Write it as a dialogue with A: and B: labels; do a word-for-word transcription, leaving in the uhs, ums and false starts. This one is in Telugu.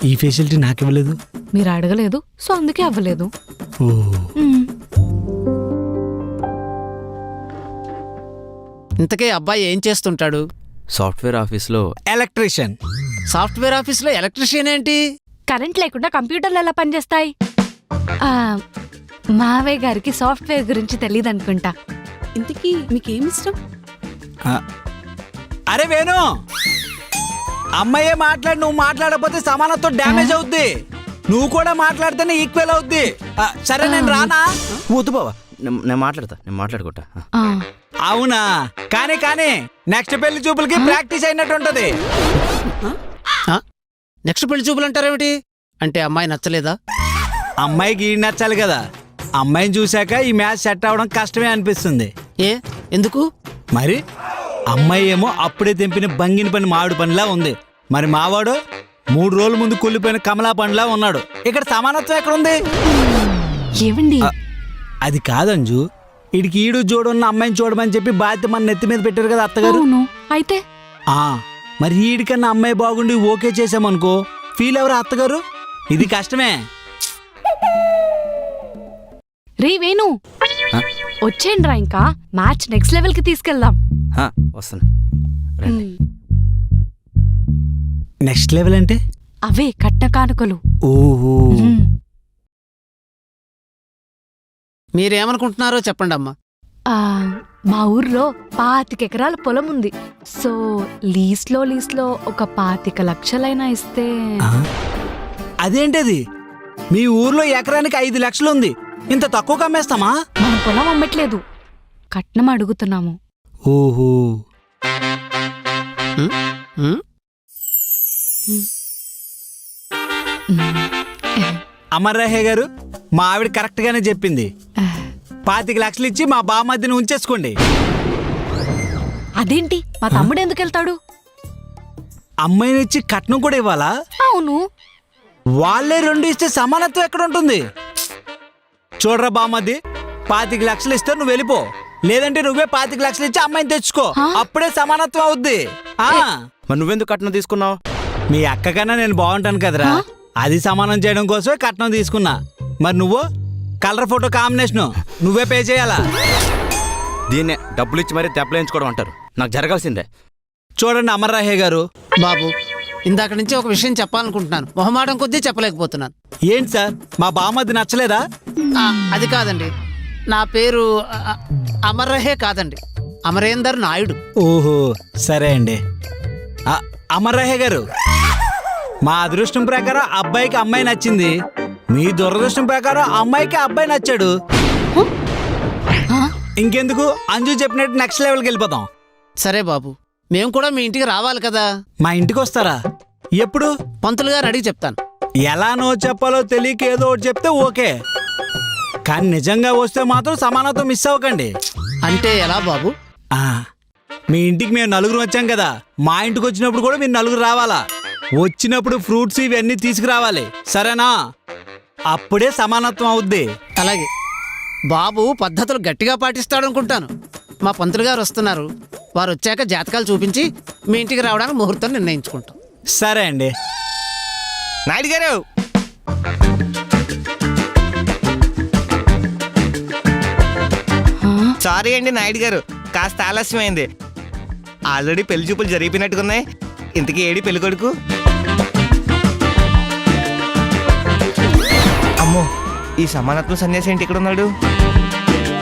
A: ఈ ఫెసిలిటీ నాకు ఇవ్వలేదు.
B: మీరు అడగలేదు, సో అందుకే అవ్వలేదు.
A: ఓ
B: మ్మ్.
C: ఇంతకే అబ్బాయి ఏం చేస్తుంటాడు?
D: సాఫ్ట్వేర్ ఆఫీస్లో
A: ఎలక్ట్రీషియన్.
C: సాఫ్ట్వేర్ ఆఫీస్లో ఎలక్ట్రీషియన్ ఏంటి?
B: కరెంట్ లేకుండా కంప్యూటర్లు ఎలా పనిచేస్తాయి? ఆ, మావయ్య గారికి సాఫ్ట్వేర్ గురించి తెలియదు అనుకుంటా.
E: ఇంతకీ మీకేం ఇష్టం?
A: అరే వేణు, అమ్మాయే మాట్లాడి నువ్వు మాట్లాడకపోతే సమానత్వం డ్యామేజ్ అవుద్ది. నువ్వు కూడా మాట్లాడితేనే ఈక్వల్ అవుద్ది. ఆ, సరే నేను రానా?
D: వద్దు బావా, నేను మాట్లాడతా, నేను మాట్లాడుకుంటా.
B: ఆ,
A: అవునా? కానీ కానీ నెక్స్ట్ పెళ్లి చూపులకి ప్రాక్టీస్ అయినట్టు ఉంటది.
C: నెక్స్ట్ పెళ్లి చూపులు అంటారేమిటి? అంటే అమ్మాయి నచ్చలేదా?
A: అమ్మాయికి ఈ నచ్చాలి కదా. అమ్మాయిని చూశాక ఈ మ్యాచ్ సెట్ అవడం కష్టమే అనిపిస్తుంది.
C: ఏ ఎందుకు?
A: మరి అమ్మాయి ఏమో అప్పుడే తెంపిన బంగిన పని మామిడి పనిలా ఉంది. మరి మావాడు మూడు రోజుల ముందు కుళ్ళిపోయిన కమలా పండులా ఉన్నాడు. ఇక్కడ సమానత్వం ఎక్కడుంది?
B: ఏవండి?
A: అది కాదంజు, ఇడికి ఈడు జోడున్న అమ్మాయిని చూడమని చెప్పి బాధ్యత మన నెత్తి మీద పెట్టారు కదా అత్తగారు.
B: అవును, అయితే
A: ఆ మరి ఈడికన్నా అమ్మాయి బాగుండి ఓకే చేసామనుకో, ఫీల్ ఎవరు అత్తగారు? ఇది కష్టమే.
B: రే వేణు, వచ్చేయండి రా, ఇంకా మ్యాచ్ నెక్స్ట్ లెవెల్ కి తీసుకెళ్దాం.
D: హా, వస్తాను. రండి.
A: నెక్స్ట్ లెవెల్ అంటే
B: అవే కట్న కానుకలు.
A: ఓహో,
B: మ్మ్.
C: మీరేమనుకుంటున్నారో చెప్పండి అమ్మా.
B: ఆ, మా ఊర్లో పాతిక ఎకరాల పొలం ఉంది. సో లీస్లో లీస్లో ఒక పాతిక లక్షలైనా ఇస్తే.
A: ఆ? అదేంటది? మీ ఊర్లో ఎకరానికి ఐదు లక్షలు ఉంది, ఇంత తక్కువ అమ్మేస్తామా?
B: మనం పొలం అమ్మట్లేదు, కట్నం అడుగుతున్నాము.
A: ఓహో,
C: ఉమ్, ఉమ్,
A: అమర్రాహే గారు, మా ఆవిడ కరెక్ట్ గానే చెప్పింది. పాతిక లక్షలు ఇచ్చి మా బామర్దిని ఉంచేసుకోండి.
B: అదేంటి, మా తమ్ముడు ఎందుకు వెళ్తాడు?
A: అమ్మాయిని ఇచ్చి కట్నం కూడా ఇవ్వాలా?
B: అవును.
A: వాళ్ళే రెండు ఇస్తే సమానత్వం ఎక్కడ ఉంటుంది? చూడరా బామర్ది, పాతిక లక్షలు ఇస్తే నువ్వు వెళ్ళిపో, లేదంటే నువ్వే పాతిక లక్షలు ఇచ్చి అమ్మాయిని తెచ్చుకో. అప్పుడే సమానత్వం అవుద్ది. ఆ
D: మరి నువ్వెందుకు కట్నం తీసుకున్నావు?
A: మీ అక్క కన్నా నేను బాగుంటాను కదరా, అది సమానం చేయడం కోసమే కట్నం తీసుకున్నా. మరి నువ్వు కలర్ ఫోటో కాంబినేషన్ నువ్వే పే చేయాలా?
D: దీన్నే డబ్బులు ఇచ్చి మరీ దెబ్బలేయించుకోవడం అంటారు. నాకు జరగాల్సిందే.
A: చూడండి అమర్రాహే గారు,
C: బాబు ఇందాక నుంచి ఒక విషయం చెప్పాలనుకుంటున్నాను, మొహమాటం కొద్దీ చెప్పలేకపోతున్నాను.
A: ఏంటి సార్, మా బామర్ది నచ్చలేదా?
C: ఆ, అది కాదండి, నా పేరు ఆ, అమర్రహే కాదండి, అమరేందర్ నాయుడు.
A: ఓహో, సరే అండి. ఆ, అమర్రాహే గారు, మా అదృష్టం ప్రకారం అబ్బాయికి అమ్మాయి నచ్చింది, మీ దురదృష్టం ప్రకారం అమ్మాయికి అబ్బాయి నచ్చాడు. ఇంకెందుకు, అంజు చెప్పినట్టు నెక్స్ట్ లెవెల్కి వెళ్ళిపోతాం.
C: సరే బాబు, మేము కూడా మీ ఇంటికి రావాలి కదా.
A: మా ఇంటికి వస్తారా? ఎప్పుడు?
C: పంతులు గారు అడిగి చెప్తాను.
A: ఎలానో చెప్పాలో తెలియక ఏదో ఒకటి చెప్తే ఓకే, కానీ నిజంగా వస్తే మాత్రం సమానత్వం మిస్ అవ్వకండి.
C: అంటే ఎలా బాబు?
A: ఆ, మీ ఇంటికి మేము నలుగురు వచ్చాం కదా, మా ఇంటికి వచ్చినప్పుడు కూడా మీరు నలుగురు రావాలా. వచ్చినప్పుడు ఫ్రూట్స్ ఇవన్నీ తీసుకురావాలి, సరేనా? అప్పుడే సమానత్వం అవుద్ది.
C: అలాగే బాబు పద్ధతులు గట్టిగా పాటిస్తాడనుకుంటాను. మా పంతులు గారు వస్తున్నారు, వారు వచ్చాక జాతకాలు చూపించి మీ ఇంటికి రావడానికి ముహూర్తం నిర్ణయించుకుంటాం.
A: సరే అండి.
F: నాయుడు గారు, సారీ అండి నాయుడు గారు, కాస్త ఆలస్యమైంది. ఆల్రెడీ పెళ్లి చూపులు జరిగిపోయినట్టుకున్నాయి. ఇంతకీ ఏడి పెళ్లి కొడుకు? అమ్మో, ఈ సమానత్వం సన్యాసి ఏంటి ఇక్కడ ఉన్నాడు?